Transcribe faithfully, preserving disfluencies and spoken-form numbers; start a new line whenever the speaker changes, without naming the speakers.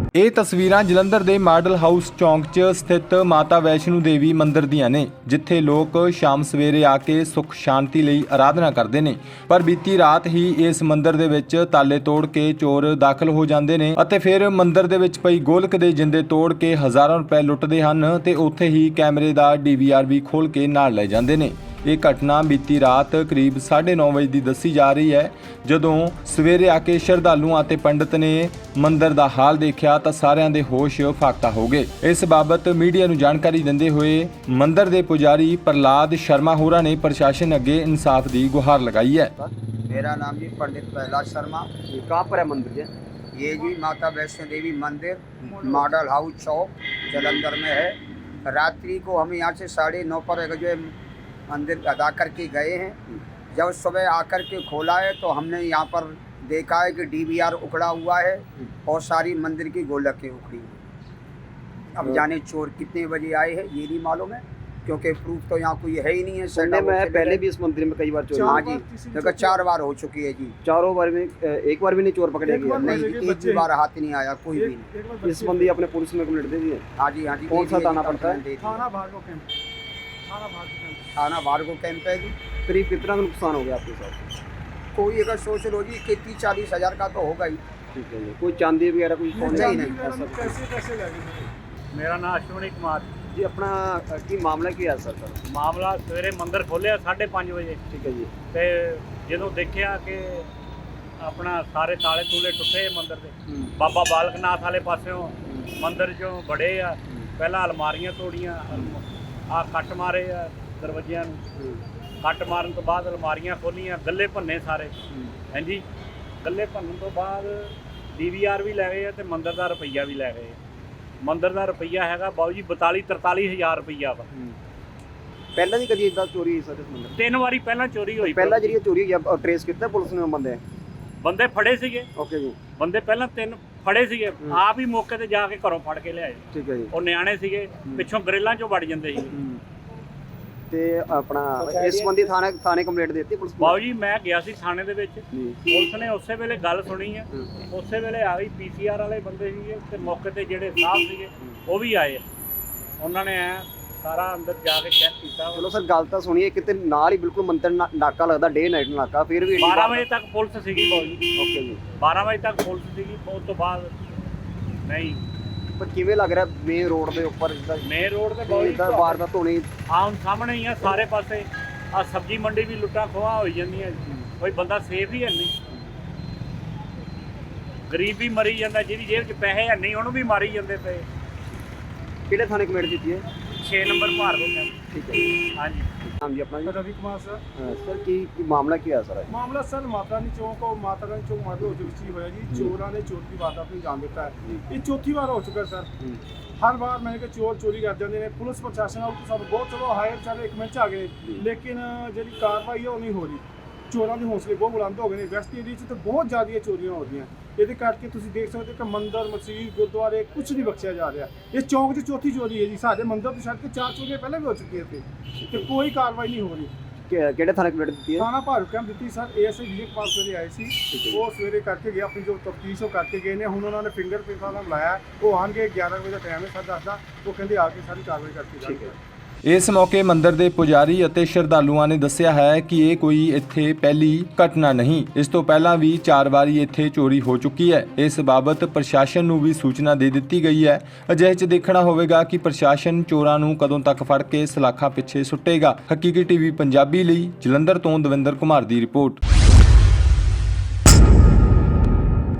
ਇਹ ਤਸਵੀਰਾਂ ਜਲੰਧਰ ਦੇ ਮਾਡਲ ਹਾਊਸ ਚੌਂਕ 'ਚ ਸਥਿਤ ਮਾਤਾ ਵੈਸ਼ਨੂ ਦੇਵੀ ਮੰਦਿਰ ਦੀਆਂ ਨੇ, ਜਿੱਥੇ ਲੋਕ ਸ਼ਾਮ ਸਵੇਰੇ ਆ ਕੇ ਸੁੱਖ ਸ਼ਾਂਤੀ ਲਈ ਆਰਾਧਨਾ ਕਰਦੇ ਨੇ। ਪਰ ਬੀਤੀ ਰਾਤ ਹੀ ਇਸ ਮੰਦਿਰ ਦੇ ਵਿੱਚ ਤਾਲੇ ਤੋੜ ਕੇ ਚੋਰ ਦਾਖਲ ਹੋ ਜਾਂਦੇ ਨੇ ਅਤੇ ਫਿਰ ਮੰਦਿਰ ਦੇ ਵਿੱਚ ਪਈ ਗੋਲਕ ਦੇ ਜਿੰਦੇ ਤੋੜ ਕੇ ਹਜ਼ਾਰਾਂ ਰੁਪਏ ਲੁੱਟਦੇ ਹਨ ਤੇ ਉੱਥੇ ਹੀ ਕੈਮਰੇ ਦਾ ਡੀ ਵੀ ਆਰ ਵੀ ਖੋਲ ਕੇ ਨਾਲ ਲੈ ਜਾਂਦੇ ਨੇ। ਇਹ ਘਟਨਾ ਬੀਤੀ ਰਾਤ ਕਰੀਬ ਸਾਢੇ ਨੌ ਵਜੇ ਦੀ ਦੱਸੀ ਜਾ ਰਹੀ ਹੈ। ਜਦੋਂ ਸਵੇਰੇ ਆ ਕੇ ਸ਼ਰਧਾਲੂਆਂ ਅਤੇ ਪੰਡਤ ਨੇ ਮੰਦਿਰ ਦਾ ਹਾਲ ਦੇਖਿਆ ਤਾਂ ਸਾਰਿਆਂ ਦੇ ਹੋਸ਼ ਫਾਕਤਾ ਹੋ ਗਏ। ਇਸ ਬਾਬਤ ਮੀਡੀਆ ਨੂੰ ਜਾਣਕਾਰੀ ਦਿੰਦੇ ਹੋਏ ਮੰਦਿਰ ਦੇ ਪੁਜਾਰੀ ਪ੍ਰਲਾਦ ਸ਼ਰਮਾ ਹੋਰਾਂ ਨੇ ਪ੍ਰਸ਼ਾਸਨ ਅੱਗੇ ਇਨਸਾਫ ਦੀ ਗੁਹਾਰ ਲਗਾਈ ਹੈ।
मेरा नाम जी पंडित प्रहलाद शर्मा।
ये कहाँ पर है मंदिर जी?
ये जी माता वैष्णो देवी मंदिर मॉडल हाउस चौक जलंधर में है। रात्रि को हम यहाँ से साढ़े नौ पर जो है मंदिर अदा करके गए हैं। जब सुबह आकर के खोला है तो हमने यहाँ पर देखा है कि डी वी आर उखड़ा हुआ है और सारी मंदिर की गोलकें उखड़ी हुई। अब जाने चोर कितने बजे आए हैं ये नहीं मालूम है, क्योंकि प्रूफ तो यहाँ कोई है ही नहीं है।
सुनने में है पहले भी इस मंदिर में कई बार चोरी।
हाँ जी, देखो चार बार हो चुकी है जी।
चारों बार में एक बार भी नहीं चोर पकड़े गए?
नहीं, एक भी बार हाथ नहीं आया कोई भी नहीं।
इस संबंधी अपने पुलिस में कंप्लेंट दे दी है?
हाँ जी हाँ जी।
कौन सा थाना पड़ता है?
थाना भार्गव कैंप। थाना भार्गव कैंप है जी।
करीब कितना का नुकसान हो गया आपके साथ?
कोई अगर सोच लो जी कि तीस चालीस हजार का तो होगा ही।
ठीक है जी। कोई चांदी वगैरह कुछ
नहीं नहीं।
मेरा नाम अश्विनी कुमार
जी। अपना की मामला की है सर? सर
मामला सवेरे मंदिर खोलिया साढ़े पाँच बजे
ठीक है जी।
ਤੇ ਜਦੋਂ ਦੇਖਿਆ ਕਿ ਆਪਣਾ ਸਾਰੇ ਤਾਲੇ ਤੂਲੇ ਟੁੱਟੇ ਮੰਦਿਰ ਦੇ, ਬਾਬਾ ਬਾਲਕ ਨਾਥ ਵਾਲੇ ਪਾਸਿਓਂ ਮੰਦਿਰ ਚੋਂ ਬੜੇ ਆ, ਪਹਿਲਾਂ ਅਲਮਾਰੀਆਂ ਤੋੜੀਆਂ, ਆ ਕੱਟ ਮਾਰੇ ਆ ਦਰਵਾਜ਼ਿਆਂ ਨੂੰ, ਕੱਟ ਮਾਰਨ ਤੋਂ ਬਾਅਦ ਅਲਮਾਰੀਆਂ ਖੋਲੀਆਂ, ਗੱਲੇ ਭੰਨੇ ਸਾਰੇ। ਹਾਂਜੀ, ਗੱਲੇ ਭੰਨਣ ਤੋਂ ਬਾਅਦ ਡੀ ਵੀ ਆਰ ਵੀ ਲੈ ਗਏ ਆ ਤੇ ਮੰਦਿਰ ਦਾ ਰੁਪਈਆ ਵੀ ਲੈ ਗਏ। ਮੰਦਿਰ ਦਾ ਰੁਪਈਆ ਹੈਗਾ ਬਾਊ ਜੀ ਬਤਾਲੀ ਤਰਤਾਲੀ ਹਜ਼ਾਰ ਰੁਪਈਆ ਵਾ।
ਪਹਿਲਾਂ ਵੀ ਕਦੀ ਇਦਾਂ ਚੋਰੀ ਹੋਈ ਸਰ ਇਸ ਮੰਦਿਰ?
ਤਿੰਨ ਵਾਰੀ ਪਹਿਲਾਂ ਚੋਰੀ ਹੋਈ।
ਪਹਿਲਾਂ ਜਿਹੜੀ ਚੋਰੀ ਹੋਈ ਆ ਟ੍ਰੇਸ ਕੀਤਾ ਪੁਲਿਸ ਨੇ ਬੰਦੇ?
ਬੰਦੇ ਫੜੇ ਸੀਗੇ।
ਓਕੇ ਜੀ।
ਬੰਦੇ ਪਹਿਲਾਂ ਤਿੰਨ ਫੜੇ ਸੀਗੇ, ਆਪ ਹੀ ਮੌਕੇ ਤੇ ਜਾ ਕੇ ਘਰੋਂ ਫੜ ਕੇ ਲਿਆਏ।
ਠੀਕ ਹੈ ਜੀ।
ਉਹ ਨਿਆਣੇ ਸੀਗੇ, ਪਿੱਛੋਂ ਗਰੇਲਾਂ ਚੋਂ ਵੜ ਜਾਂਦੇ ਸੀ।
ਤੇ ਆਪਣਾ ਇਸ ਸੰਬੰਧੀ ਥਾਣੇ ਥਾਣੇ ਕੰਪਲੇਂਟ ਦਿੱਤੀ ਪੁਲਿਸ ਨੂੰ?
ਬਾਊ ਜੀ ਮੈਂ ਗਿਆ ਸੀ ਥਾਣੇ ਦੇ ਵਿੱਚ,
ਜੀ।
ਪੁਲਿਸ ਨੇ ਉਸੇ ਵੇਲੇ ਗੱਲ ਸੁਣੀ ਆ, ਉਸੇ ਵੇਲੇ ਆ ਗਈ। ਪੀ ਸੀ ਆਰ ਵਾਲੇ ਬੰਦੇ ਸੀਗੇ ਤੇ ਮੌਕੇ ਤੇ ਜਿਹੜੇ ਸਾਹਿਬ ਸੀਗੇ ਉਹ ਵੀ ਆਏ। ਉਹਨਾਂ ਨੇ ਐ ਸਾਰਾ ਅੰਦਰ ਜਾ ਕੇ ਚੈੱਕ ਕੀਤਾ।
ਚਲੋ ਸਰ ਗੱਲ ਤਾਂ ਸੁਣੀਏ, ਕਿਤੇ ਨਾਲ ਹੀ ਬਿਲਕੁਲ ਮੰਦਿਰ ਨਾ- ਨਾਕਾ ਲੱਗਦਾ, ਡੇ ਨਾਈਟ ਨਾਕਾ, ਫਿਰ ਵੀ
ਬਾਰਾਂ ਵਜੇ ਤੱਕ ਪੁਲਿਸ ਸੀਗੀ ਬਾਊ ਜੀ।
ਓਕੇ ਜੀ।
ਬਾਰਾਂ ਵਜੇ ਤੱਕ ਪੁਲਿਸ ਸੀਗੀ, ਉਸ ਤੋਂ ਬਾਅਦ ਨਹੀਂ।
ਪਰ ਕਿਵੇਂ ਲੱਗ ਰਿਹਾ ਮੇਨ ਰੋਡ ਦੇ ਉੱਪਰ ਜਿੱਦਾਂ
ਮੇਨ ਰੋਡ ਤੇ ਬਾਊ ਜੀ
ਇਦਾਂ ਵਾਰਦਾਤ ਹੋਣੀ?
ਆਹ ਹੁਣ ਸਾਹਮਣੇ ਹੀ ਆ ਸਾਰੇ ਪਾਸੇ। ਆ ਸਬਜ਼ੀ ਮੰਡੀ ਵੀ ਲੁੱਟਾਂ ਖੋਹਾਂ ਹੋਈ ਜਾਂਦੀਆਂ, ਕੋਈ ਬੰਦਾ ਸੇਫ ਹੀ ਹੈ ਨਹੀਂ। ਗਰੀਬ ਵੀ ਮਰੀ ਜਾਂਦਾ, ਜਿਹਦੀ ਜੇਬ 'ਚ ਪੈਸੇ ਹੈ ਨਹੀਂ ਉਹਨੂੰ ਵੀ ਮਾਰੀ ਜਾਂਦੇ ਪਏ।
ਕਿਹੜੇ ਥਾਣੇ ਕੰਪਲੇਂਟ ਦਿੱਤੀ ਹੈ?
ਛੇ ਨੰਬਰ ਭਾਰਗੋ ਕੈਂਪ।
ਠੀਕ ਹੈ ਜੀ।
ਹਾਂਜੀ
ਨਾਮ ਜੀ ਆਪਣਾ ਜੀ?
रवि कुमार सर।
ਹਾਂ, ਸਰ ਕੀ ਕੀ ਮਾਮਲਾ ਕੀ ਹੈ ਸਰ?
मामला सर माता रानी चौक और माता रानी चौक माडल हाउस ਵਿੱਚ ਹੋਇਆ ਜੀ। ਚੋਰਾਂ ਨੇ ਚੋਰ ਦੀ ਵਾਰਦਾਤ ਨੂੰ ਅੰਜਾਮ ਦਿੱਤਾ ਹੈ। ਇਹ ਚੌਥੀ ਵਾਰ ਹੋ ਚੁੱਕਾ ਸਰ। ਹਰ ਵਾਰ ਮੈंने ਕਿ ਚੋਰ ਚੋਰੀ ਕਰ ਜਾਂਦੇ ਨੇ। ਪੁਲਿਸ ਪ੍ਰਸ਼ਾਸਨ ਨਾਲ ਸਭ ਬਹੁਤ ਚਲੋ ਹਾਇਰ ਚਾਰੇ ਇੱਕ ਮਿੰਟ 'ਚ ਆ ਗਏ, ਲੇਕਿਨ ਜਿਹੜੀ ਕਾਰਵਾਈ ਹੈ ਉਹ ਨਹੀਂ ਹੋ ਰਹੀ। ਚੋਰਾਂ ਦੇ ਹੌਸਲੇ ਬਹੁਤ ਬੁਲੰਦ ਹੋ ਗਏ ਨੇ। ਵੈਸਟ ਏਰੀਆ 'ਚ ਤਾਂ ਬਹੁਤ ਜ਼ਿਆਦਾ ਚੋਰੀਆਂ ਹੋ ਰਹੀਆਂ। ਇਹਦੇ ਕਰਕੇ ਤੁਸੀਂ ਦੇਖ ਸਕਦੇ ਹੋ ਕਿ ਮੰਦਿਰ, ਮਸਜਿਦ, ਗੁਰਦੁਆਰੇ ਕੁਝ ਨਹੀਂ ਬਖਸ਼ਿਆ ਜਾ ਰਿਹਾ। ਇਹ ਚੌਂਕ 'ਚ ਚੌਥੀ ਚੋਰੀ ਹੈ ਜੀ। ਸਾਡੇ ਮੰਦਿਰ ਤੋਂ ਛੱਡ ਕੇ ਚਾਰ ਚੋਰੀਆਂ ਪਹਿਲਾਂ ਵੀ ਹੋ ਚੁੱਕੀਆਂ ਸੀ ਤੇ ਕੋਈ ਕਾਰਵਾਈ ਨਹੀਂ ਹੋ ਰਹੀ।
ਕਿ- ਕਿਹੜੇ ਥਾਣੇ ਕੰਪਲੇਂਟ ਦਿੱਤੀ ਹੈ?
ਥਾਣਾ ਭਾਰੂ ਕੈਂਪ ਦਿੱਤੀ sir. A S I Vijay Kumar ਸਵੇਰੇ ਆਏ ਸੀ, ਉਹ ਸਵੇਰੇ ਕਰਕੇ ਗਏ, ਆਪਣੀ ਜੋ ਤਫਤੀਸ਼ ਉਹ ਕਰਕੇ ਗਏ ਨੇ। ਹੁਣ ਉਹਨਾਂ ਨੇ ਫਿੰਗਰ ਪ੍ਰਿੰਟ ਵਾਲਾ ਬੁਲਾਇਆ, ਉਹ ਆਉਣਗੇ। ਗਿਆਰਾਂ ਵਜੇ ਦਾ ਟਾਈਮ ਹੈ ਸਰ, ਦੱਸਦਾ ਉਹ ਕਹਿੰਦੇ ਆ ਕੇ ਸਾਰੀ ਕਾਰਵਾਈ ਕਰਕੇ ਜਾਣਗੇ।
ਇਸ ਮੌਕੇ ਮੰਦਿਰ ਦੇ ਪੁਜਾਰੀ ਅਤੇ ਸ਼ਰਧਾਲੂਆਂ ਨੇ ਦੱਸਿਆ ਹੈ ਕਿ ਇਹ ਕੋਈ ਇੱਥੇ ਪਹਿਲੀ ਘਟਨਾ ਨਹੀਂ, ਇਸ ਤੋਂ ਪਹਿਲਾਂ ਵੀ ਚਾਰ ਵਾਰੀ ਇੱਥੇ ਚੋਰੀ ਹੋ ਚੁੱਕੀ ਹੈ। ਇਸ ਬਾਬਤ ਪ੍ਰਸ਼ਾਸਨ ਨੂੰ ਵੀ ਸੂਚਨਾ ਦੇ ਦਿੱਤੀ ਗਈ ਹੈ। ਅਜਿਹੇ 'ਚ ਦੇਖਣਾ ਹੋਵੇਗਾ ਕਿ ਪ੍ਰਸ਼ਾਸਨ ਚੋਰਾਂ ਨੂੰ ਕਦੋਂ ਤੱਕ ਫੜ ਕੇ ਸਲਾਖਾਂ ਪਿੱਛੇ ਸੁੱਟੇਗਾ। ਹਕੀਕੀ ਟੀਵੀ ਪੰਜਾਬੀ ਲਈ ਜਲੰਧਰ ਤੋਂ ਦਵਿੰਦਰ ਕੁਮਾਰ ਦੀ ਰਿਪੋਰਟ।